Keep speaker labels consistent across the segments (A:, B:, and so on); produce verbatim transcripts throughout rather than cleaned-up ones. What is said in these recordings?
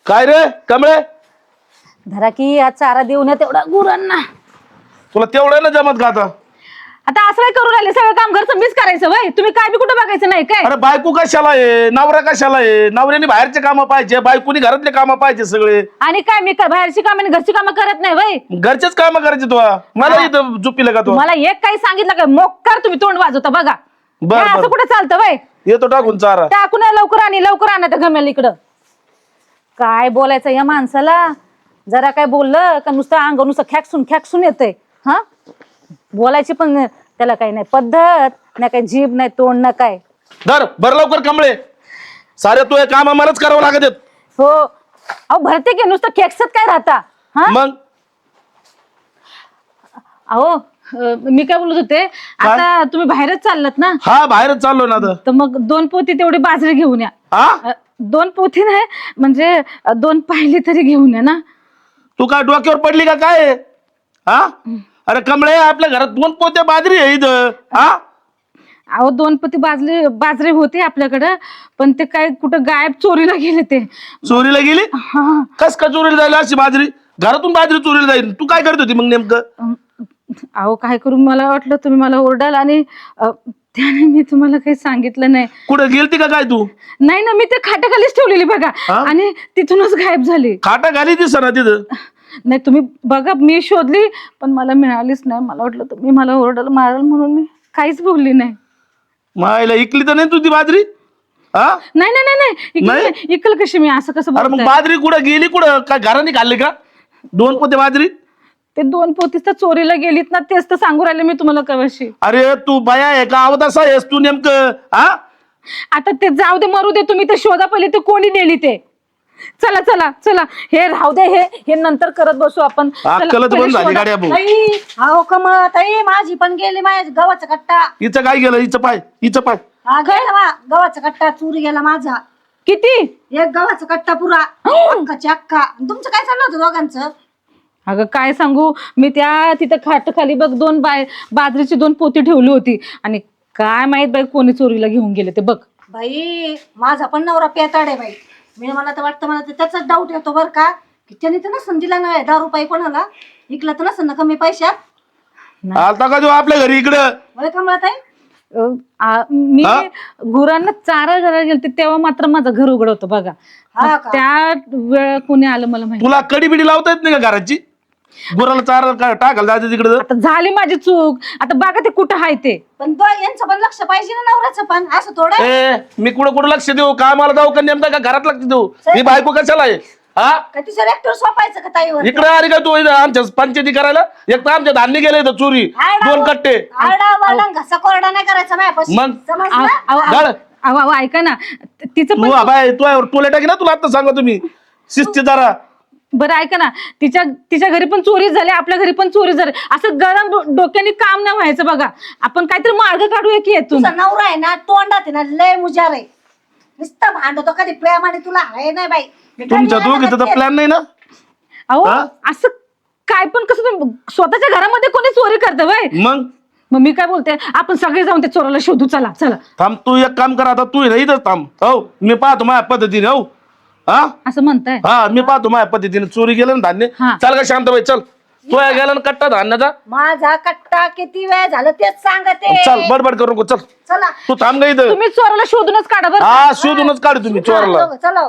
A: काय रे कमळे,
B: धरा की आज चारा देऊन या तेवढा गुरांना.
A: तुला तेवढं ना जमत का आता?
B: आता असं काय करू राहिले, सगळं काम घरचं मीच करायचं वय, तुम्ही काय बी कुठं बघायचं नाही काय?
A: अरे बायको कशाला आहे, नवरा कशाला आहे? नवऱ्याने बाहेरचे कामं पाहिजे, बायकोनी घरातले कामं पाहिजे सगळे.
B: आणि काय मी काय बाहेरची कामं आणि घरची कामं करत नाही वय?
A: घरचेच कामं करायचे तू. मला इथं झोपीला का तू?
B: मला एक काही सांगितलं काय मोक्कार तुम्ही तोंड वाजवता बघा.
A: बर,
B: हे
A: बर.
B: असं कुठं चालतं वय?
A: येतो टाकून चारा.
B: टाकून या लवकर आणि लवकर आणा त्या गमेल इकडं. काय बोलायचं या माणसाला, जरा काय बोललं का नुसतं अंग नुसतं खॅकसून खॅकसून येतंय. हा बोलायची पण त्याला काही नाही पद्धत, ना काही जीभ नाही तोंड ना काय.
A: धर भर लवकर कमळे, सारे तू हे काम आम्हालाच करावं लागत आहेत.
B: हो अहो भरते की नुसतं खेकसत काय राहता. हा
A: मग
B: अहो अं, मी काय बोलत होते, आता तुम्ही बाहेरच चाललात ना,
A: हा बाहेरच चाललो ना आता.
B: तर मग दोन पोती तेवढी बाजरी घेऊन या.
A: हा
B: अं, दोन पोती नाही म्हणजे अं, दोन पाहिली तरी घेऊन या ना.
A: तू काय डोक्यावर पडली का काय? हा अरे कमळे, आपल्या घरात दोन पोते बाजरी आहे इथं. हा
B: अहो दोन पोती बाजरी बाजरी होती आपल्याकडं, पण ते काय कुठं गायब चोरीला गेले ते.
A: चोरीला गेली?
B: हा
A: कस का चोरीला जायला अशी बाजरी? घरातून बाजरी चोरीला जाईल? तू काय करत होती मग नेमकं?
B: अं, अहो काय करू, मला वाटलं तुम्ही मला ओरडाल आणि अं, त्याने मी तुम्हाला काही सांगितलं नाही.
A: कुठे गेलती का काय तू?
B: नाही ना, मी ते खाट्याखालीच ठेवलेली बघा
A: हा?
B: आणि तिथूनच गायब झाली.
A: खाटा घाली दिसना तिथं.
B: नाही तुम्ही बघा, मी शोधली पण मला मिळालीच नाही. मला वाटलं तुम्ही मला ओरडाल माराल म्हणून मी काहीच बोलली नाही.
A: मायला इकली तर नाही तू ती बाजरी? हा
B: नाही नाही नाही नाही इकल
A: नाही?
B: नाही. इकल कशी मी, असं कसं
A: अरे मग
B: बोलताय?
A: बाजरी कुठं गेली? कुठं काय घराने खाल्ली का दोन पोते बाजरी?
B: ते दोन पोतीस तर चोरीला गेलीत ना, तेच तर सांगू राहिले मी तुम्हाला कवाशी.
A: अरे तू बाया आहे का अवदासा आहेस तू नेमकं? हा
B: आता ते जाऊ दे, मरू दे, तुम्ही ते शोधा पहिले ते कोणी नेली ते. चला चला चला, हे राहू दे, हे हे नंतर करत बसू आपण. चला,
A: अक्कलच
B: पहिले
A: बंद झाली
B: शोधा.
A: गाड्या भाऊ.
C: ताई अहो कमळ ताई, माझी पण गेली माझ्या गव्हाचा कट्टा.
A: हिचं काय गेलं? हिचं पाय, हिचं पाय.
C: हा गेला मा गव्हाचा कट्टा चोरी गेला माझा.
B: किती?
C: एक गव्हाचा कट्टा पुरा अक्काची अक्का. तुमचं काय चाललं होतं दोघांचं?
B: अगं काय सांगू, मी त्या तिथं खाट खाली बघ दोन बाय बाजरीची दोन पोती ठेवली होती आणि काय माहित बाई कोणी चोरीला घेऊन गेले ते बघ.
C: बाई माझा पण नवरा पेताड आहे बाई. मी मला तर वाटतं, मला तर त्याचाच डाऊट येतो बरं का, की त्याने तर नसन दिला ना दहा रुपये कोणाला, इकला तर नसन ना कमी पैशात.
A: आलता का तू आपल्या घरी इकडं?
C: वय कमळा ताई
B: अं, आ, मी
A: हा?
B: गुरांना चारा घराला गेलते तेव्हा मात्र माझं घर उघड होतं बघा.
C: हा का?
B: त्या वेळ कोणी आलं मला माहिती.
A: तुला कडी बिडी लावता येत नाही का घराची? गुराला चारा का- टाकायला जायचं तिकडं?
B: आता झाली माझी चूक, आता बघा ते कुठं आहे ते.
C: पण तो यांचं पण लक्ष पाहिजे ना नवऱ्याचं पण, असं थोडं.
A: ए मी कुठं कुठं लक्ष देऊ? कामाला जाऊ का नेमका का घरात लक्ष देऊ? मी बायको कशाला आहे? हा
C: का तिच्या रेक्टर सोपायचं का ताईवर?
A: इकडे आली का तू इथं आमच्या पंचायती करायला? एक तर आमच्या धान्य गेले इथं चोरी, दोन कट्टे.
C: आरडा वरडा घसा कोरडा नाही करायचा माझ्यापाशी.
A: मग?
B: अहो,
C: समजलं?
B: अहो, अहो,
A: गाड.
B: अहो, अहो, ऐका ना, त- तिचं
A: तू
B: पण
A: बाय तू टोले टाकी ना, तुला आता सांगा तुम्ही शिस्ती जरा.
B: बरं ऐका ना, तिच्या तिच्या घरी पण चोरी झाली, आपल्या घरी पण चोरी झाली. असं गरम डो- डोक्याने काम नाही व्हायचं बघा. आपण काहीतरी मार्ग काढूया की येतून.
C: तुझा नवरा आहे ना तोंडात आहे ना लय मुजार आहे. नुसतं भांडतो कधी प्रेमाने, तुला आहे नाही बाई. मी
A: तुमच्या
C: कधी
A: दोघीचा
C: येणार
A: प्लॅन नाही ना?
B: अहो
A: हा?
B: असं काय पण कसं तुम्ही स्वतःच्या घरामध्ये कोणी चोरी करतं वय?
A: मग
B: मग मी काय बोलते, आपण सगळे जाऊन ते चोराला शोधू. चला चला
A: थांब, तू एक काम कर आता, तू आहे ना इथंच थांब. हो मी पाहतो माझ्या पद्धतीने. हो हा
B: असं म्हणताय.
A: हा मी पाहतो माझ्या पद्धतीने. चोरी गेलं ना धान्य.
B: हा.
A: चल का शांताबाई, चल. तू या गेला ना कट्टा धान्याचा.
C: माझा कट्टा किती वेळ झालं तेच सांगते.
A: चल बडबड करू नको, चल.
C: चला
A: तू थांब गा इथं.
B: तुम्ही चोराला शोधूनच काढा बरं.
A: हा शोधूनच काढ तुम्ही चोराला.
C: चलो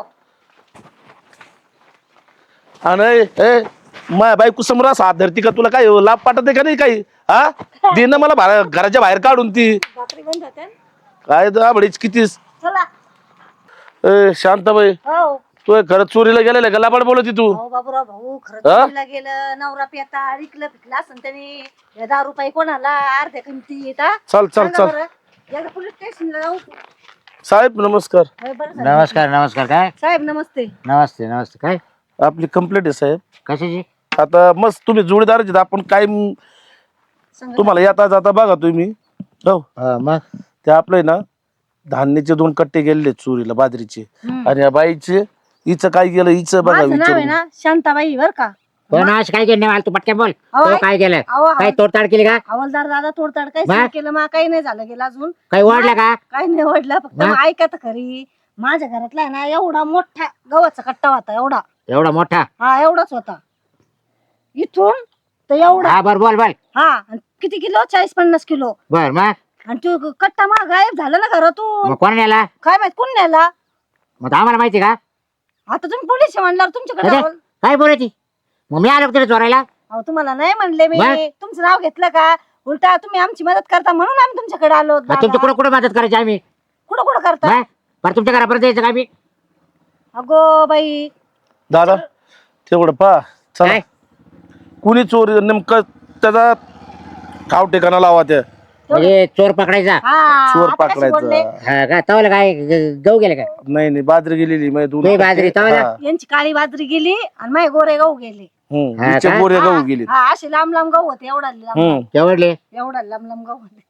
A: आणि ए माय बायको समोर असं हात धरती का? तुला काय लाभ पाठत आहे का नाही काही? हा दे ना मला बाहेर, घराच्या बाहेर काढून ती.
C: बापरे बंद होते.
A: काय दाबडीच कितीस.
C: चला
A: ए शांताबाई,
C: हो
A: तू खरं चोरीला गेलेला का? लाबाड बोलती तू?
C: हो बाबूराव भाऊ, खरंच
A: हा?
C: चोरीला गेलं. नवरा पेता विकलं पिकलं असं त्याने. या दहा रुपये कोणाला अर्ध्या किमती येतात.
A: चल चल चल.
C: एकदा पोलीस स्टेशनला जाऊ.
A: साहेब नमस्कार.
C: होय, बरं झालं.
D: नमस्कार नमस्कार. काय
C: साहेब नमस्ते.
D: नमस्ते नमस्ते. काय
A: आपली कंप्लेंट आहे साहेब.
D: कशाची?
A: आता मस्त तुम्ही जोडीदारच आहेत. आपण काय म-
C: सांगा.
A: तुम्हाला येता जाता बघा तुम्ही. हो
D: हा, मग
A: ते आपलं आहे ना धान्याचे दोन कट्टे गेलेले चोरीला बाजरीचे. आणि या बाईचे हिचं काय गेलं हिचं बघा
C: माझं नाव आहे
A: विचारून.
C: ना शांताबाई बर का.
D: पण आज काय केलं मला तू पटकन बोल.
C: अहो,
D: तो काय केलं?
C: अहो,
D: काय तोडताड केली का?
C: हवालदार दादा तोडताड काही
D: बा?
C: केलं मा काही नाही झालं गेलं अजून.
D: काही ओढलं का?
C: काही नाही ओढलं, फक्त
D: बा?
C: मग ऐका तर खरी. माझ्या घरातला आहे ना एवढा मोठा गव्हाचा कट्टा होता एवढा.
D: एवढा मोठा?
C: हा एवढाच होता. इथून तर एवढा.
D: हा बर बोल बोल.
C: हा आणि किती किलो? चाळीस पन्नास किलो.
D: बर मग
C: आणि तो कट्टा मग गायब झाला ना घरातून.
D: मग कोण नेला?
C: काय माहित कोण नेला.
D: मग आम्हाला माहिती का?
C: आता तुम्ही पोलीस म्हणणार तुमच्याकडे
D: अरे,
C: आहो.
D: काय बोलायची? मग मी आलो तिथे चोरायला.
C: अहो तुम्हाला नाही म्हणले मी.
D: मग?
C: तुमचं नाव घेतलं का? उलटा तुम्ही आमची मदत करता म्हणून आम्ही तुमच्याकडे आलो.
D: मग तुमच्या कुठं कुठं मदत करायची आम्ही?
C: कुठं कुठं करता?
D: मग? बरं तुमच्या घरापर्यंत यायचं का आम्ही?
C: अगो बाई.
A: दादा तेवढं पा चला.
D: काय?
A: कुणी चोरी नेमकं त्याचा ठाव ठिकाणा लावा त्या.
D: म्हणजे चोर पकडायचा?
C: हा
A: चोर
C: आता कसे बोलले?
A: पकडायचा.
D: हा का? तवलं काय ग- गहू गेले काय?
A: नाही नाही बाजरी गेलेली म्हणजे दोन
D: ते बाजरी तवाला?
A: हा.
C: यांची काळी बाजरी गेली आणि माझे गोरे गहू गेले.
A: हम्म,
D: हा
A: हिचे
D: का?
A: गोरे गहू
C: हा,
A: गेले.
C: हा, असे लांब लांब गहू होते. एवढा लांब
A: हम्म
D: केवढले?
C: एवढा लांब लांब गहू होते.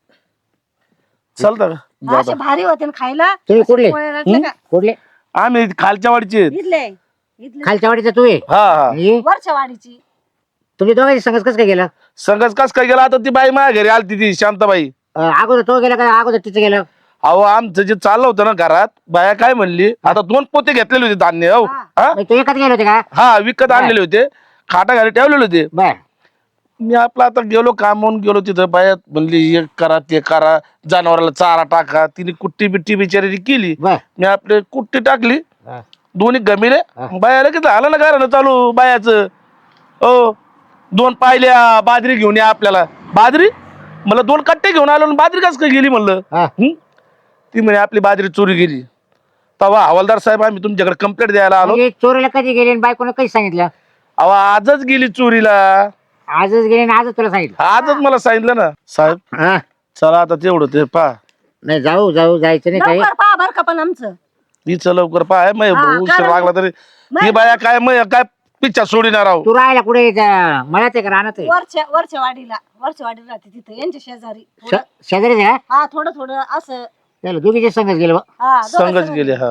A: चालतं का
C: असे भारी होते ना खायला.
D: तुम्ही कुठले?
C: पोळ्या लाटल्या का?
D: कुठले?
A: आम्ही खालच्या वाडीचे आहेत.
C: इथले इथले
D: खालच्या वाडीचा तू आहे?
A: हा हा
D: आणि
C: वरच्या वाडीची.
D: तुम्ही दोघांची संगत कसं काय गेलं?
A: संघच कस काय गेला आता ती बाई माझ्या घरी आलती ती शांताबाई.
D: अं, अगोदर तो गेला का अगोदर तिचं गेलं?
A: अहो आमचं जे चाललं होतं ना घरात बाया काय म्हणली आता दोन पोते घेतलेले होते धान्य हो
C: हा.
A: हा
D: मग तू एकच गेले होते का?
A: हा विकत आणलेले होते. खाटा घरी ठेवलेले होते.
D: बर.
A: मी आपलं आता गेलो कामावून गेलो तिथं बाया म्हणली हे करा ते करा जनावराला चारा टाका. तिने कुट्टी बिट्टी बिचारी केली.
D: बर.
A: मी आपले कुट्टी टाकली
D: हा.
A: दोन्ही गमिले.
D: हा.
A: बायाला किती आलं ना घरानं चालू बायाचं. हो दोन पाहिल्या बाजरी घेऊन या आपल्याला. बाजरी मला दोन कट्टे घेऊन आलो आणि बाजरी कस काय गेली म्हणलं.
D: हा.
A: हं? ती म्हणे आपली बाजरी चोरी गेली. तेव्हा हवालदार साहेब आम्ही तुमच्याकडे कंप्लेंट द्यायला आलो.
D: म्हणजे चोरीला कधी गेली आणि बायकोनं कधी सांगितलं?
A: अहो आजच गेली चोरीला.
D: आजच गेली आणि आजच तुला सांगितलं?
A: आजच मला सांगितलं ना साहेब.
D: हा.
A: चला आता तेवढं ते पा
D: नाही जाऊ जाऊ जायचं नाही काही.
C: लवकर पहा बर का पण आमचं.
A: हिचं लवकर पाय मग
C: हा,
A: उशीर
C: कारण-
A: लागला तरी ही बाया काय मग काय पिच्छा सोडिणार आहो.
D: तू राहायला कुठे मला ते राहणार
C: वरच्या वरच्या वाडीला वरच्या वाडीला राहते तिथे यांच्या शेजारी. थोडं-
D: शेजारीच आहे का?
C: हा थोडं थोडं असं.
D: चला दोघीचे संगच गेलो.
C: हा दोघं
A: संघच
C: जण.
A: गेले. हा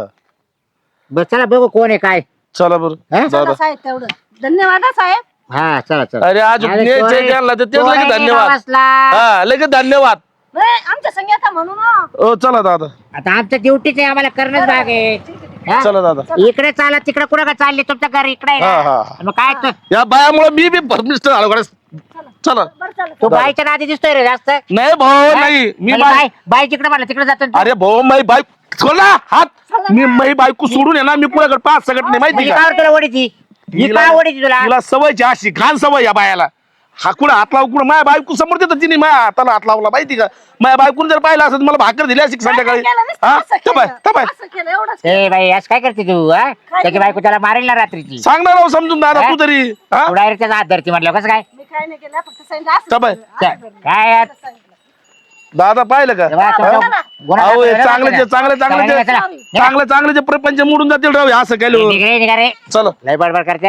D: बस चला बघू कोण आहे काय.
A: चला बरं
D: हा?
C: चला
A: दादा.
C: साहेब तेवढं धन्यवाद हा साहेब.
D: हा चला चला.
A: अरे आज
D: अरे
A: न्यायचंय
D: चोरी-
A: त्यांना तर तेच
D: चोरी
A: लगेच धन्यवाद.
D: बसला.
A: हा लगेच धन्यवाद.
C: नाही, आमच्या संग येता म्हणून हो.
A: हो चला दादा.
D: आता आमचं ड्युटीच आहे आम्हाला करणंच भाग आहे. हा?
A: चला दादा.
D: इकडे चाला तिकडे कुठं का चालले तुमचं घर इकडे आहे
A: हा
D: ना?
A: हा
D: मग काय तू-
A: या बायामुळे मी बी परमिस्टर आलो गड्या. चला
C: बरं चला.
D: तू बाईच्या नादी दिसतोय रे जास्त.
A: नाही भाऊ नाही मी
D: म्हणजे
A: बाय
D: बाई बाई तिकडे म्हणलं तिकडे जातो ना तू.
A: अरे भाऊ माई बाईक सोड ना हात. मी माई बायको सोडून आहे ना मी कुणाकडे पाच सगळं नाही माहिती
D: म्हणजे
A: का.
D: काय तुला ओढीची ही
A: हिला-
D: काय ओढीची तुला?
A: तिला सवयची अशी घाण सवय या बायाला. हा कुणा हात लावू कुणा माझ्या बायको समोर देतात तिने माझ्या हाताला हात लावला माहिती का. माझ्या बायकोने जर पाहिलं असं मला भाकर दिली अशी संध्याकाळी.
C: काय केलं नुसतं
A: हा
C: असं
A: तपाय
C: केलं.
A: तपाय
C: असं केलं एवढंच.
D: ए बाई असं काय करते तू हा? त्याची बायको त्याला मारेल ना रात्रीची.
A: सांगणार राव समजून दादा
D: हा?
A: तू तरी हा
D: तू डायरेक्ट त्याचा हात धरती म्हटलं कसं काय?
C: मी काय नाही केलं फक्त सांगितलं असं
A: तपाय
C: केलं, असं
D: काय
C: केलं,
D: काय यार?
C: असं सांगितलं.
A: दादा पाहिलं का.
D: तेव्हा तुमचा गुन्हा
A: अहो हे
D: दाखल झाला
A: चांगले
D: ना?
A: जे चांगले चांगले
D: चला,
A: जे
D: चला.
A: चांगले चांगले जे प्रपंच मोडून जातील राव हे असं केलं.
D: निघ रे, निघ रे.
A: चल
D: लय बडबड करते.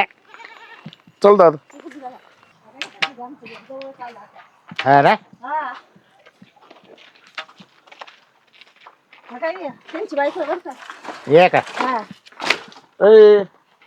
A: चल दादा.
D: हा ना?
C: हा. हा काय आहे? त्यांची बायको आहे बरं का.
D: ये का?
C: हा.
A: ए,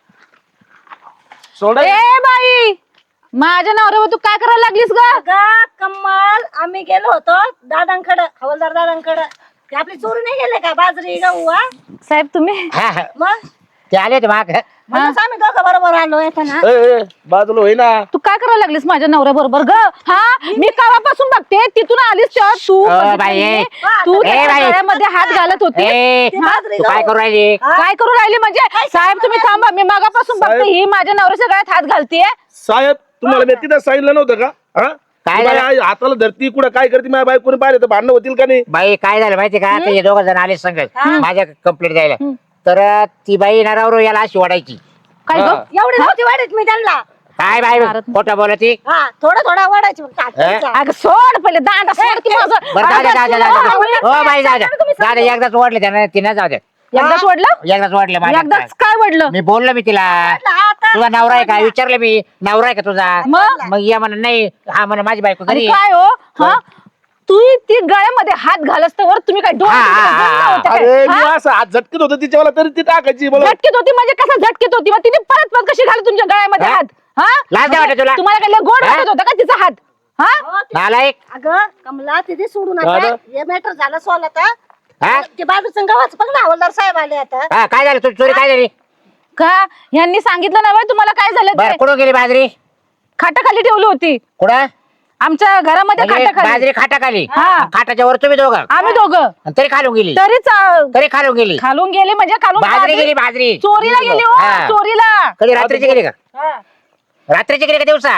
A: सोडा
B: ए बाई माझ्या नवऱ्यावर तू काय करायला लागलीस ग?
C: अगं कम्माल आम्ही गेलो होतो दादांकडं हवालदार दादांकडं. ते आपली चोरी नाही गेले का बाजरी गहू हा?
B: साहेब तुम्ही
D: हा हा.
C: मग
D: ते आले होते माग.
C: म्हणूनच आम्ही दोघं बरोबर आलो येताना.
A: ए, ए, बाजूला होईना.
B: तू काय करायला लागलीस माझ्या नवऱ्या बरोबर ग? हा मी कावापासून बघते तिथून आलीस तेव्हा तू
D: अ,
B: बघितलं
D: बाई,
B: मी.
D: ए.
B: तू
D: ए,
B: त्याच्या
D: बाई.
B: गळ्यामध्ये हात घालत होती.
D: ए,
C: बाजरी
D: तू काय
C: गहू.
D: करू राहिली?
C: हा?
B: काय करू राहिली म्हणजे साहेब तुम्ही थांबा मी मागापासून बघते
A: साहेब.
B: ही माझ्या नवऱ्याच्या गळ्यात हात घालतीये.
A: साहेब तुम्हाला मी तिथं सांगितलं नव्हतं का. हा
D: काय
A: ती बाई
D: झालं?
A: आई हाताला धरती कुठं काय करते माझ्या बायकोने पाहिलं तर भांडणं होतील का नाही.
D: बाई काय झालं माहिती का? आता हे दोघं जण आले संगत माझ्या कंप्लेंट द्यायला. तर ती बाई नरावर याला अशी ओढायची.
B: काय
A: हा.
B: ग?
C: एवढी नव्हती वाढत मी त्यांना.
D: काय बाई खोटं बोलती?
C: हा थोडं थोडं वाढायची फक्त हाताचा.
B: अगं सोड पहिले दांडा सोड की माझं.
D: बरं जाऊ द्या जाऊ द्या जाऊ द्या.
C: आवडलं
D: हो
C: काय?
D: बाई जाऊ द्या
C: सांगा ना तुम्ही
D: जाऊ द्या एकदाच वाढले त्यानं तिनं जाऊ द्या.
B: एकदाच वडलं
D: एकदाच वाढले माझ्या.
B: एकदाच काय वडलं
D: मी बोललो मी तिला
C: आता
D: तुझा नवरा आहे का विचारलं मी. नवरा आहे का तुझा?
B: मग?
D: मग या म्हणा नाही हा म्हणा माझी बायको
B: आणि
D: घरी.
B: काय हो हा तू ती गळ्यामध्ये हात घालस तर तुम्ही काय डोळे
D: हा, हा,
B: तिकडे बंद
D: हा.
B: होते काय?
A: अरे
B: हा?
A: मी असं हात झटकत होतं तिच्यावाला तरी ती टाकायची मला.
B: झटकीत होती म्हणजे कसं झटकीत होती मग तिने परत परत कशी घाली तुमच्या गळ्यामध्ये
D: हा?
B: हात हा
D: लाज नाही वाटत तुला?
B: तुम्हाला काय लय गोड
D: हा?
B: वाटत होता का तिचा हात हा
C: हो, ते-
D: नालायक.
C: अगं कमला तिथे सोडून
A: दादा.
C: आता हे मॅटर झालं सॉल्व आता.
D: हा
C: ते बाजूचं गावाचं बघ ना हवालदार साहेब आले आता.
D: हा काय झालं तुझी चोरी काय झाली
B: का यांनी सांगितलं ना बरं तुम्हाला काय झालं
D: बरं
B: ते
D: कुठं गेली बाजरी
B: खाटाखाली ठेवली होती
D: कुठं
B: आमच्या घरामध्ये
D: म्हणजे
B: खाटाखाली
D: बाजरी खाटाखाली
B: हा.
D: खाटाच्या वर तुम्ही दोघं
B: आम्ही दोघं
D: आणि तरी खालून गेली
B: तरीच अं,
D: तरी खालून गेली
B: खालून गेली म्हणजे खालून
D: बाजरी
B: बाजरी-
D: गेली बाजरी
B: चोरीला गेली हो
D: हा.
B: चोरीला
D: कधी रात्रीची गेली का
C: हा.
D: रात्रीची गेली का दिवसा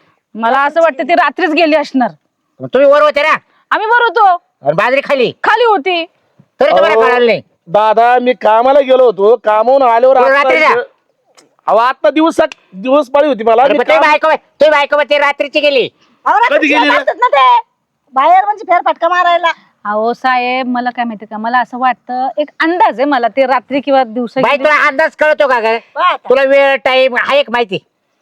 B: मला असं वाटतं ती रात्रीच गेली असणार
D: मग तुम्ही वर होते ना
B: आम्ही वर होतो
D: आणि बाजरी खाली
B: खाली होती
D: तरी तुम्हाला
A: अहो,
D: कळालं नाही
A: दादा मी कामाला गेलो होतो कामावून आल्यावर
D: तुम्ही
A: आता-
D: रात्रीला?
A: अहो आता दिवस दिवस पाळी होती मला
D: अरे
A: मी
D: पण तुम्ही
A: काम-
D: बायको तुम्ही बायको ते रात्रीची गेली
C: अहो, रात्री
A: कधी गेली
C: शेत
A: रे?
C: असतात ना ते बाहेर म्हणजे फेरफटका मारायला.
B: अहो साहेब मला काय माहिती का मला असं वाटतं एक अंदाज आहे मला ते रात्री किंवा दिवसा
D: बाई
B: गेली.
D: तुला अंदाज कळतो का ग
C: पहा आता.
D: तुला वेळ टाइम आहे एक माहिती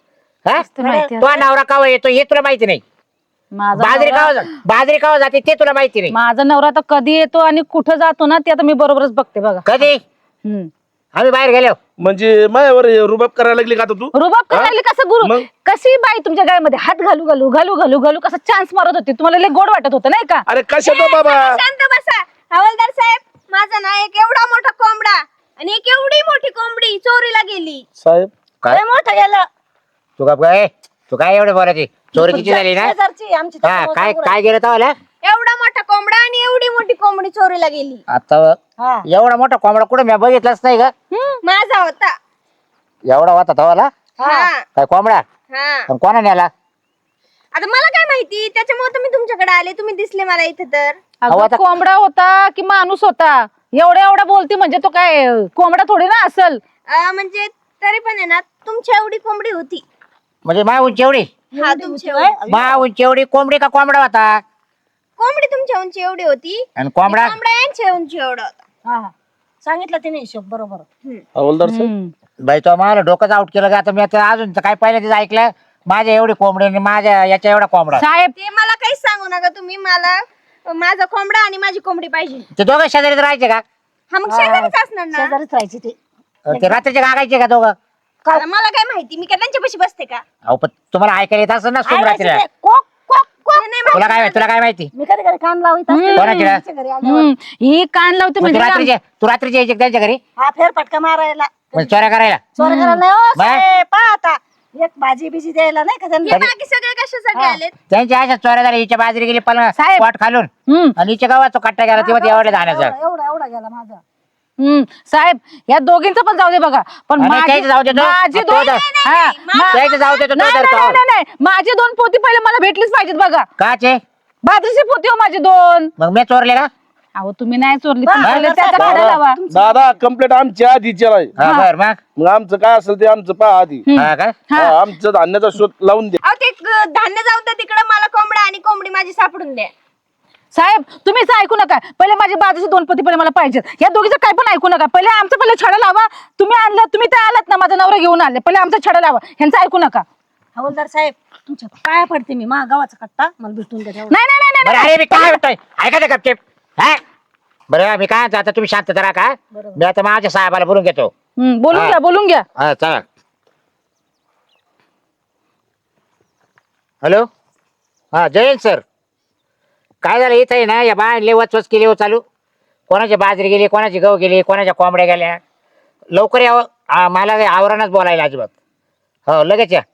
D: हा
B: ते माहिती आहे.
D: तो नवरा कावा येतो हे तुला माहिती नाही
B: माझा
D: बाजरी
B: नवरा-
D: कावा बाजरी कावा जाते ते तुला माहिती नाही
B: माझा नवरा आता कधी येतो आणि कुठं जातो ना ते आता मी बरोबरच बघते बघा
D: कधी
B: हम्म.
D: आम्ही बाहेर गेलो
A: म्हणजे माझ्यावर रुबाब करायला लागली का आता तू
B: रुबाब करायला कसं गुरु
A: मग?
B: कशी बाई तुमच्या गायमध्ये हात घालू घालू घालू घालू घालू कसा चान्स मारत होती तुम्हाला लय गोड वाटत होतं नाही का
A: अरे कशाचा बाबा
E: शांत बसा हवालदार साहेब माझा ना एक एवढा मोठा कोंबडा आणि एक एवढी मोठी कोंबडी चोरीला गेली.
A: साहेब
D: काय
C: लय मोठं गेलं.
D: तू का काय तू काय एवढे बोलायची चोरी किती झाली ना
C: शेजारची आमची
D: हा
C: त्याच्यामुळं
D: काय
C: सांगू
D: काय गेलं तवाला
E: एवढा मोठा कोंबडा आणि एवढी मोठी कोंबडी चोरीला गेली.
D: आता
C: हा.
D: एवढा मोठा कोंबडा कुठं मी बघितलंच नाही का
E: माझा होता.
D: एवढा होता तवाला
E: हा
D: काय कोंबडा
E: हा
D: पण कोणा नेला
E: आता मला काय माहिती त्याच्यामुळे तर मी तुमच्याकडे आले तुम्ही दिसले मला इथे तर.
B: अगं,
D: अहो, आता-
B: कोंबडा होता की माणूस होता एवढा एवढा बोलती म्हणजे तो काय कोंबडा थोडी ना असल
E: अं, म्हणजे तरी पण आहे ना तुमची एवढी कोंबडी होती.
D: म्हणजे मा उंची एवढी
E: हा तुमची एवढी.
D: मा उंची एवढी कोंबडी का कोंबडा होता
E: कोंबडी तुमच्या उंची एवढी होती
D: आणि कोंबडा
E: कोंबड्या यांच्या उंची एवढा होता.
C: हा. सांगितलं तिने हिशोब बरोबर.
A: हवालदार साहेब
B: हम्म.
D: बाई तो मला डोकंच आउट केलं का आता मी आता अजून तर काय पहिल्यांदाच ऐकलं माझ्या एवढी कोंबडी आणि माझ्या याच्या एवढा कोंबडा
B: साहेब
E: ते मला काहीच सांगू नका तुम्ही मला माझा कोंबडा आणि माझी कोंबडी पाहिजे.
D: ते दोघं शेजारीच राहायचे का
E: हा मग शेजारीच असणार ना.
C: शेजारीच राहायची ते.
D: ते रात्रीचे गागायचे का दोघं
E: आता मला काय माहिती मी काय त्यांच्यापाशी बसते का.
D: अहो पण तुम्हाला ऐकायला येत असं ना तुम्ही रात्रीला
C: ऐकायचं ते. कोक कोक कोक.
E: ते नाही
D: तुला काय तुला काय माहिती
C: मी कधी कधी कान लावित असते.
D: कोणाची रा-
C: तिच्या घरी आल्यावर.
B: हम्म. ही कान लावते
D: मग तू
B: म्हणजे
D: रात्रीचे तू रात्रीचे यायचे का त्यांच्या घरी
C: हा फेरफटका मारायला.
D: म्हणजे चोऱ्या करायला
C: चोर करायला नाही हो
D: बाय.
C: साहेब, पहा आता एक भाजी बिजी द्यायला नाही का
E: हे
C: त्यांना.
E: बाकी सगळे कशासाठी
C: हा.
E: आलेत.
D: त्यांच्या अशा चोऱ्या झाल्या हिच्या बाजरी गेली पण
B: साहेब.
D: वाट खालून
B: हम्म.
D: आणि हिच्या गावात तो कट्टा गेला तेव्हा एवढ्या धाण्याचा
C: एवढा एवढा एवढा गेला माझा.
B: हम्म. साहेब या दोघींचं पण जाऊ दे बघा पण
D: आणि
B: माझी
D: त्याचं जाऊ दे तो.
B: माझी
D: तो
B: दोन
D: जा-
B: हा, मा-
D: त्याचं जाऊ दे तो, तो
B: नाही,
D: धरतो.
B: नाही, नाही, नाही. माझी दोन पोती पहिले मला भेटलीच पाहिजेत बघा
D: काचे
B: बाजरीची पोती हो माझी दोन
D: मग मी चोरले का
B: अहो तुम्ही नाही चोरली
C: बा-
B: पण पहिले
C: बा-
B: त्याचा
C: बा-
B: भाडा लावा
A: दादा कंप्लेंट आमची आधीची आहे
D: हा बर मग
A: मग आमचं काय असेल ते आमचं पहा आधी
D: हा का
B: हा.
A: हा, आमचं धान्याचा शोध लावून द्या
E: अहो ते ग- धान्य जाऊ द्या तिकडे मला कोंबडा आणि कोंबडी माझी सापडून द्या.
B: साहेब तुम्ही असं ऐकू नका पहिले माझी बाजूची दोन पोती पहिले मला पाहिजेत या दोघीचं काय पण ऐकू नका पहिले आमचं पहिले छडा लावा तुम्ही आणलं तुम्ही ते आलात ना माझा नवरा घेऊन आले पहिले आमचा छडा लावा ह्यांचं ऐकू नका
C: हवालदार साहेब तुमच्या पाया पडते मी मा गावाचा कट्टा मला भेटून द्या तेवढं.
B: नाही नाही नाही,
D: बरं
B: नाही
D: अरे मी काय म्हणतोय ऐका ना गपचेप हा बरं मी काय म्हणतो, आता तुम्ही शांत करा का मी आता माझ्या साहेबाला बोलून घेतो
B: हम्म, बोलून
D: हा.
B: घ्या बोलून घ्या
D: हा चला हॅलो हा जयंत सर काय झालं इथं आहे ना या बाय वचवच केली हो चालू कोणाची बाजरी गेली कोणाची गहू गेली कोणाच्या कोंबड्या गेल्या लवकर यावं हा, मला काही आवरणच बोलायला अजिबात हो लगेच या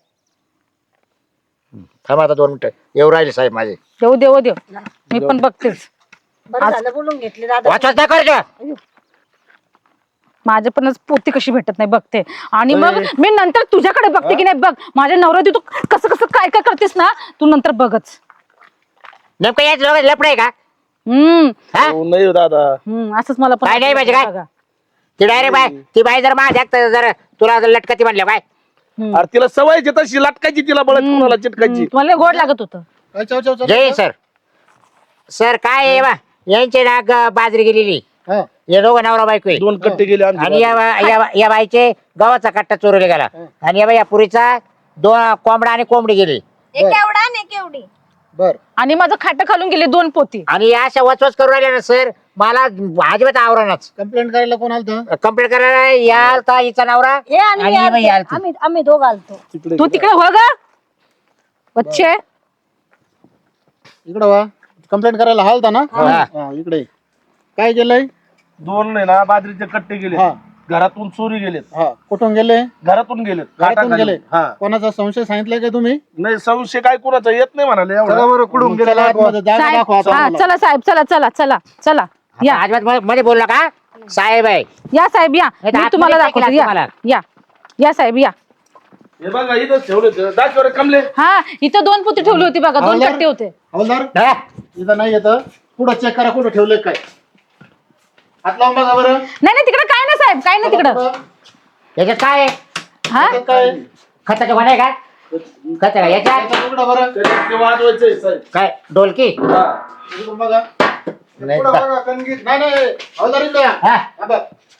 D: थांबा आता दोन मिनिटं येऊ राहिले साहेब माझे
B: देऊ देऊ देऊ मी पण बघतेच
C: बरं झालं बोलून घेतले दादा.
D: वाचवच नाही करायचं
B: माझ्या पण पोती कशी भेटत नाही बघते आणि मग मी नंतर तुझ्याकडे बघते की नाही बघ माझ्या नवरा तू कसं कसं काय काय करतेस ना तू नंतर बघच
D: नेमकं याच लोक लपड आहे का
B: हम्म
D: हा
A: हो, नाही हो दादा
B: हम्म असंच मला पण
D: काय नाही पाहिजे काय?
B: बघा.
D: ती डायरेक्ट बाय ती बाई जर माझ्या जर तुला जर लटकती म्हणल्या काय
B: हम्म.
A: अरे तिला सवयची तशी लटकायची तिला बळत कुणाला चिटकायची
B: हम्म, तुम्हाला लय गोड लागत होतं
D: जय सर सर काय आहे बा यांचे ना ग- बाजरी गेलेली हे दोघं नवरा बायको आहे.
A: दोन कट्टे गेले
D: आणि
A: आमचे
D: या बा- या बा- या बाईचे गव्हाचा कट्टा चोरले गेला आणि या बाई या पुरीचा दोन कोंबडा आणि कोंबडी गेली
E: एक एवढा आणि एक एवढी.
B: आणि माझं खाटं खालून गेली दोन पोती
D: आणि या अशा वचवच करू राहिल्या ना सर मला अजिबात आवरणच
F: कंप्लेंट करायला कोण आलतं?
D: कंप्लीट करायला याल तर हिचा नवरा
C: हे आणि
D: आणि
C: मी
D: ही बाई
C: आलते.
D: आलती.
C: आम्ही आम्ही दोघं आलतो.
A: तिकडे
B: तू तिकडे हो ग बच्चे
F: इकडं वा कंप्लेंट करायला हालता ना
D: हा.
F: हा, इकडे काय केलंय
A: दोन आहे ना बाजरीचे कट्टे गेले
F: हा.
A: घरातून चोरी गेलेत.
F: हा कुठून गेले?
A: घरातून गेलेत.
F: घरातून
A: काटा
F: गेले.
A: खाली. हा
F: कोणाचा संशय सांगितलाय का तुम्ही?
A: नाही संशय काय कोणाचा येत नाही म्हणाले एवढा.
F: चला बरं कुठून गेले आतमध्ये जागा
B: साहेब
F: दाखवा आता
B: हा
F: आम्हाला.
B: चला साहेब चला चला चला चला या
D: अजिबात मध्ये- मध्ये बोलला का साहेब आहे
B: या साहेब या
D: नाही तर
B: मी तुम्हाला
D: आतमध्ये
B: दाखवतो
D: टाकेल
B: या
D: तुम्हाला.
B: या या साहेब या
A: हे बघा इथं ठेवले दाखवर कमले.
B: हा इथं दोन पुती ठेवली होती बघा दोन
F: हवालदार?
B: कट्टे होते.
F: हवालदार
D: हा?
F: इथं नाही येतं. पुढं चेक करा कुठं ठेवले काय. हात लावून बघा बरं.
B: नाही नाही तिकडे काय नाही साहेब काय नाही तिकडं
D: याच्यात काय आहे?
B: हा
F: याच्यात काय?
D: खताचं कोण आहे का खत का याच्यात
F: याच्यात उघडा बरं.
A: त्याच्यात ते वाजवायचंय साहेब.
D: काय डोलकी
A: हा.
F: इकडून बघा.
D: नाही
F: पुढं
D: का?
F: बघा, कणगीत. नाही नाही हवालदार इकडे या.
D: हा?
F: थांबा.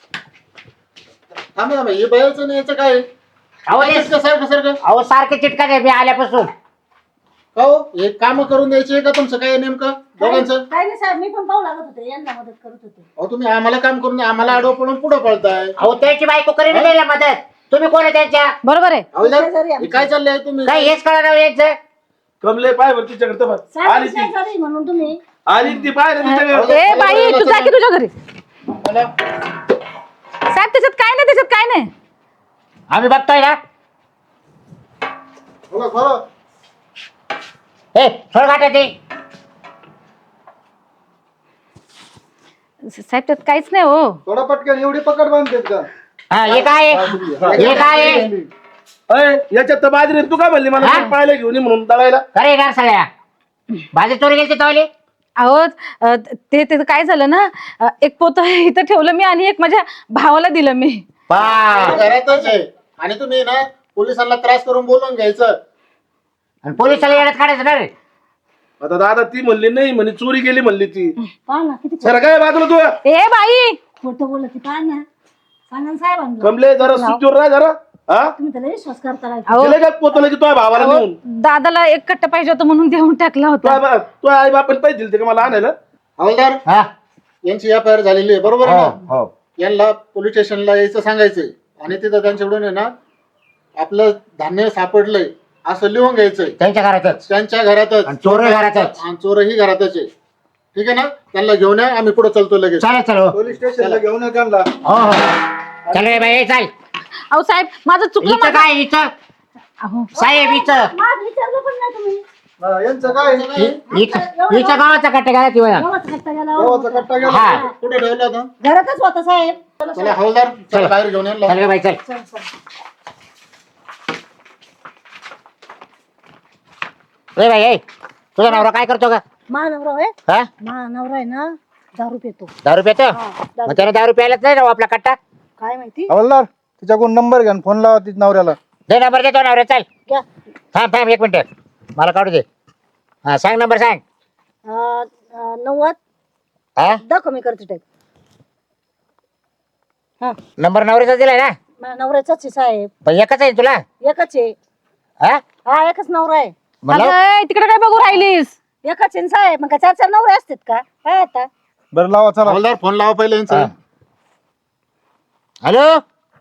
F: थांबा थांबा. हे बायाचं नाही याचं काय?
D: अहो हे-
F: सारखं सारखं
D: अहो सारखे चिटका आहे मी आल्यापासून.
F: का हो हे काम करून द्यायचे का तुमचं काय नेमकं दोघांचं?
C: काय नाही साहेब मी पण पाहू लागत होते यांना मदत करत होते.
F: अहो तुम्ही आम्हाला काम करून द्या. आम्हाला आडवं पडून पुढं पळताय.
D: अहो त्याची बायको करीन द्यायला मदत. तुम्ही कोण आहे त्यांच्या
B: बरोबर आहे
F: हवालदार
C: शेजारी
F: हे काय चाललंय तुम्ही?
D: काय हेच कळणार यांचं.
A: कमले पाय बर तिच्याकडे तर बघ.
C: साहेब
A: आली ती
C: शेजारी म्हणून तुम्ही
A: आली ती पाय तिच्याकडे.
B: ए बाई तू जा की तुझ्या घरी
F: मला
B: साहेब त्याच्यात काय नाही त्याच्यात काय नाही
D: आम्ही बघतोय ना.
F: बघा, बघा.
D: हे सोड गाठा ते.
B: साहेब त्यात काहीच नाही हो
F: थोडा पटकन एवढी पकड बांधतेत का?
D: हा हे काय आहे? हे काय आहे?
A: अय याच्यात तर बाजरी आहे. तू काय म्हणली मला
D: हा?
A: पाहायला घेऊन ये म्हणून दळायला.
D: खरे येणार सगळ्या भाजी चोरी गेली तवली.
B: अहो अ, ते ते काय झालं ना अ, एक पोत इथं ठेवलं मी आणि एक माझ्या भावाला दिलं मी
D: पा
F: घरातच आहे आणि तुम्ही ना पोलिसांना त्रास करून बोलून घ्यायचं.
D: आणि पोलिसाला येण्यात काढायचं ना रे.
A: आता दादा ती म्हणली नाही म्हणे चोरी गेली म्हणली ती.
C: पहा ना किती
A: सर काय बाजूला तू
B: ए बाई
C: खोटं बोलत ती पहा ना सांगा ना साहेबांना.
A: कमले जरा सुचूर राह जरा. हा
C: तुम्ही त्याला विश्वास करता काय
B: अहो
A: तिला काय पोतलं की तुझ्या भावाला
B: अहो,
A: नेऊन
B: दादाला एक कट्टा पाहिजे होता म्हणून देऊन टाकला होता
A: तू आई बापाने पैसे दिले का मला आणायला.
F: हवालदार
D: हा?
F: यांची एफ आय आर झालेली आहे बरोबर आहे
D: हो
F: ना?
D: हो.
F: यांना पोलीस स्टेशनला यायचं सांगायचंय आणि तिथं त्यांच्याकडून आहे ना आपलं धान्य सापडलंय असं लिहून घ्यायचंय
D: त्यांच्या घरातच
F: त्यांच्या घरातच.
D: आणि चोरही घरातच.
F: आणि चोरही घरातच आहे. ठीक आहे ना? त्यांना घेऊन या आम्ही पुढे चलतो लगेच.
D: चालेल चलो.
F: पोलीस स्टेशनला घेऊन या त्यांना.
D: हो हो चल रे बाई चाल.
B: अहो साहेब माझं चुकलं
D: इथं
B: माझं-
D: काय इथं
B: अहो
D: साहेब इथं
C: माझं विचारलं पण नाही तुम्ही.
F: हा, यांचं काय
D: इ- इथं इथं गावाचा कट्टा गेला ती बघा.
C: गावाचा कट्टा गेला
F: गावाचा कट्टा गेला.
D: हा.
F: कुठे ठेवला होता?
C: घरातच होता साहेब. चला,
F: चला हवालदार चला बाहेर घेऊन या.
D: चल रे बाई चल.
C: चल, चल.
D: रे बाई ए तुझा नवरा काय करतो का?
C: मा नवरा आहे
D: हा
C: मा नवरा आहे ना दारू पितो.
D: दारू पितो.
C: हा, दारू.
D: मग त्याने दारू प्यायलाच नाही राहू आपला कट्टा.
C: काय माहिती
F: हवालदार तिच्याकडून नंबर घ्या फोन लावा तिच्या नवऱ्याला.
D: दे नंबर देतो नवरा चल.
C: घ्या.
D: थांब थांब एक मिनिट मला काढू दे. हा सांग नंबर सांग.
C: अं, अं, नव्वद
D: हा
C: दाखव मी करते टाईप. हा
D: नंबर नवऱ्याचा दिलाय ना.
C: मा नवऱ्याचाच आहे साहेब.
D: पण एकच आहे तुला.
C: एकच आहे.
D: हा
C: हा एकच नवरा आहे.
D: म्हणलं
B: अगं, तिकडे काय बघू राहिलीस
C: एकच आहे ना साहेब. मग काय चार चार नवरे असतात का काय आता.
F: बरं लावा चला. हवालदार फोन लावा पहिले यांचा.
D: हा. हॅलो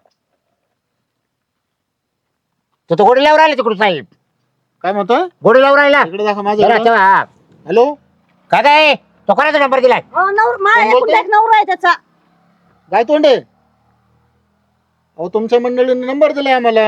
D: तो तो गोडी लावून राहिला तिकडून साहेब.
F: काय म्हणतोय?
D: गोडी लावून राहिला.
F: इकडे दाखवा
D: जरा
F: माझ्या.
D: ठेवा, हा.
F: हॅलो
D: काय काय तो कोणाचा नंबर दिलाय?
C: अहो, नवर मा
F: कोण
C: एकूण
F: बोलतंय?
C: एक नवरा आहे त्याचा.
F: काय तोंडे? अहो तुमच्या मंडळीने नंबर दिलाय आम्हाला.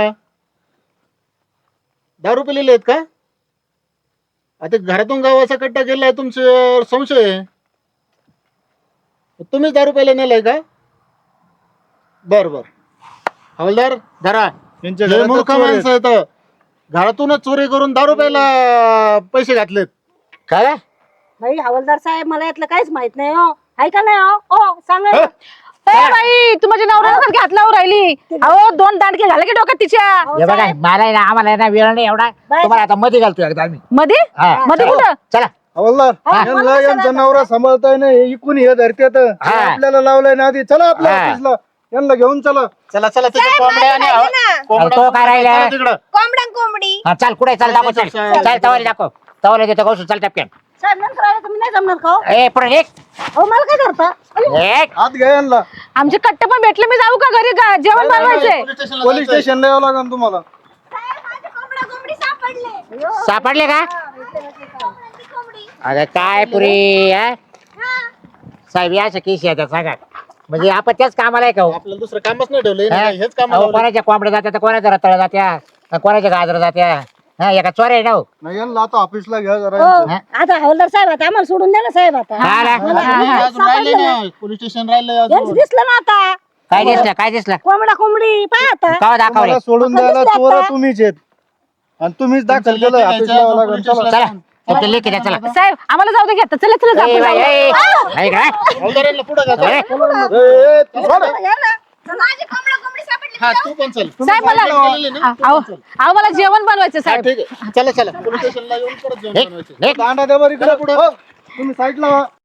F: दारू पिलेले आहेत का? आता घरातून गावाचा कट्टा गेलाय तुमचे संशय आहे. तुम्हीच दारू प्यायला नेलाय का? बर बर हवालदार धरा. हे मूर्ख माणसं आहेत. घरातूनच चोरी करून दारू प्यायला पैसे घातलेत.
D: काय
C: भाई हवालदार साहेब मला यातलं काहीच माहित नाही हो. ऐका नाही हो ओ सांगा ना.
B: ए बाई तू माझ्या नवऱ्याला सारखी हात लावून राहिली अहो दोन दांडके झाले की डोक्यात तिच्या
C: अहो,
D: हे बघा
C: साहेब,
D: मला आहे ना आम्हाला आहे ना वेळ नाही एवढा.
C: बाय.
D: तुम्हाला आता मध्ये घालतो एकदा आम्ही.
B: मध्ये
D: हा,
B: मध्ये
D: चला.
B: कुठं
D: चला
F: हवालदार
C: हा,
F: यांना
C: मला
F: यांचा
C: कशाला
F: नवरा सांभाळताय ना हे इकून हे धरत्यात.
D: हा.
F: आपल्याला लावलाय ना आधी. चला आपल्या
D: हा.
F: ऑफिसला. यांना घेऊन चला. चला चला तिथे
E: साहेब,
F: कोंबड्या आणि
E: माझं राहिलं ना.
F: कोंबड्या-
D: तो काय राहिला?
F: चला तिकडं.
E: कोंबडा कोंबडी.
D: हा चाल कुठे चाल दाखव चल
F: चल,
D: चाल तवाला दाखव तवाला देतो कौशल चाल टपक्यान.
C: साहेब नंतर आले तुम्ही नाही जमणार का हो?
D: ए पुढे एक
C: अहो मला काय करता. अयो,
D: एक
F: आत घ्या यांना.
B: आमचे कट्टे पण भेटले मी जाऊ का घरी का जेवण बनवायचंय
F: पोलीस स्टेशनला पोलीस स्टेशनला यावं लागेल तुम्हाला.
E: साहेब, माझे कोंबडा कोंबडी सापडले.
C: अयो.
D: सापडले का?
E: कोंबड्यांची कोंबडी.
D: अगं काय पुरी हा?
E: हा.
D: साहेब या केस येतात सांगा. म्हणजे आपण त्याच कामाला आहे का हो?
F: आपल्याला दुसरं कामच नाही ठेवलं
D: हा?
F: हेच काम
D: अहो, कोणाच्या कोंबड्या जात्या तर कोणाच्या रताळ्या जात्या अन कोणाच्या गाजर जात्या हा एका चोर आहे ना हो.
F: नाही यांना आता ऑफिसला घ्या जरा
C: हो
D: हा?
C: आता हवलदार साहेब आता आम्हाला सोडून द्या ना साहेब आता
D: हा ना?
F: अजून राहिले ना पोलीस स्टेशन राहिले
C: यांचं
F: अजून
C: दिसलं ना आता
D: काय दिसलं काय दिसलं
C: कोंबडा कोंबडी पाहा आता
D: का दाखवले
F: तुम्हाला सोडून
C: आता
F: द्यायला
C: दिसलं
F: चोर
C: आता.
F: तुम्हीच आहेत आणि तुम्हीच दाखल केलं ऑफिसला लागून चला
D: चला तिथे लेखी द्या चला
B: साहेब आम्हाला जाऊ दे घेता चला चला
D: ए,
B: जाऊ
D: बाई, ए, ऐक ना.
F: हवलदारांना पुढे घ्या
D: ए,
F: ए, तू सोड.
C: या ना.
E: माझी कोंबडा कोंबडी सापडली
F: हा तू पण चल
B: साहेब मला अहो अहो, मला जेवण बनवायचं
F: हा,
B: साहेब
F: ठीक आहे चला चला पोलीस स्टेशनला येऊन परत जेवण
D: निघ,
F: बनवायचं.
D: निघ.
F: दांडा द्या बरं इकडे पुढे तुम्ही साईडला व्हा.